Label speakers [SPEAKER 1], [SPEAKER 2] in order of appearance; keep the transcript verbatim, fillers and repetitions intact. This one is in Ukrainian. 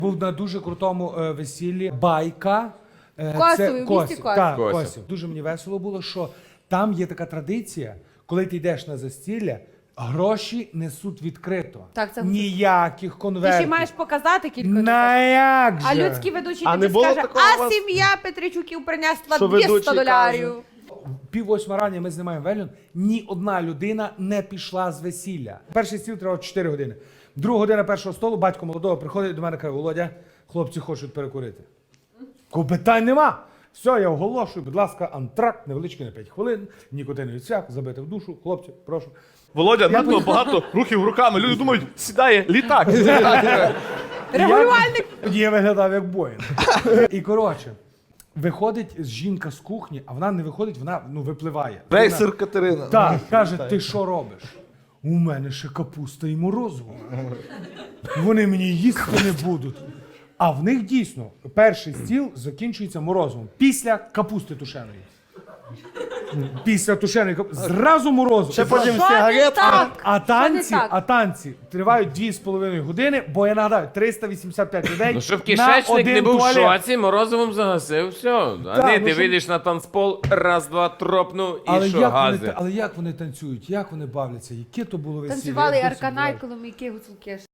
[SPEAKER 1] Був на дуже крутому е, весіллі байка. Е,
[SPEAKER 2] Косові, в місті
[SPEAKER 1] Косів.
[SPEAKER 2] Косів.
[SPEAKER 1] Так,
[SPEAKER 3] Косів.
[SPEAKER 1] Косів. Дуже мені весело було, що там є така традиція, коли ти йдеш на застілля, гроші несуть відкрито.
[SPEAKER 2] Так, це-
[SPEAKER 1] Ніяких
[SPEAKER 2] Ти
[SPEAKER 1] конвертів.
[SPEAKER 2] ще маєш показати кілька.
[SPEAKER 1] На як же?
[SPEAKER 2] А людський ведучий
[SPEAKER 3] А
[SPEAKER 2] тобі
[SPEAKER 3] не було
[SPEAKER 2] скаже,
[SPEAKER 3] такого у
[SPEAKER 2] а
[SPEAKER 3] вас?
[SPEAKER 2] сім'я Петричуків принесла
[SPEAKER 3] Що
[SPEAKER 2] двісті
[SPEAKER 3] ведучий
[SPEAKER 2] доларів.
[SPEAKER 1] Пів восьма рання ми знімаємо вельон, ні одна людина не пішла з весілля. Перший стіл треба чотири години. Друга година першого столу, батько молодого приходить до мене і каже: Володя, хлопці хочуть перекурити. Кажу, питань нема. Все, я оголошую, будь ласка, антракт, невеличкий на п'ять хвилин, нікотиновий цвях, забити в душу, хлопці, прошу.
[SPEAKER 3] Володя, надто багато рухів руками. Люди думають, сідає літак.
[SPEAKER 2] Регулювальник.
[SPEAKER 1] Я виглядав як Боїн. І коротше, виходить жінка з кухні, а вона не виходить, вона ну, випливає.
[SPEAKER 3] Рейсер Катерина.
[SPEAKER 1] Так, каже, ти що робиш? У мене ще капуста і морозиво. Вони мені їсти не будуть. А в них дійсно перший стіл закінчується морозивом. Після капусти тушеної. Після тушеної капусти. Зразу морозиво.
[SPEAKER 3] Ще потім
[SPEAKER 2] Що не
[SPEAKER 3] сигарет.
[SPEAKER 2] так?
[SPEAKER 1] А танці,
[SPEAKER 2] Що не так?
[SPEAKER 1] а танці тривають дві з половиною години, бо я нагадаю, триста вісімдесят п'ять людей.
[SPEAKER 4] Ну, щоб
[SPEAKER 1] на
[SPEAKER 4] кишечник
[SPEAKER 1] один
[SPEAKER 4] не був в
[SPEAKER 1] туалет.
[SPEAKER 4] шоці, морозивом загасив, все. А
[SPEAKER 1] Так,
[SPEAKER 4] не,
[SPEAKER 1] ну,
[SPEAKER 4] ти
[SPEAKER 1] щоб-
[SPEAKER 4] вийдеш на танцпол, раз, два, тропнув і
[SPEAKER 1] Але
[SPEAKER 4] що,
[SPEAKER 1] як, вони,
[SPEAKER 4] гази.
[SPEAKER 1] та- але як вони танцюють, як вони бавляться, яке то було весілля?
[SPEAKER 2] Танцювали
[SPEAKER 1] я досі
[SPEAKER 2] Арканай,
[SPEAKER 1] бачу.
[SPEAKER 2] Коломійки, Гуцулки.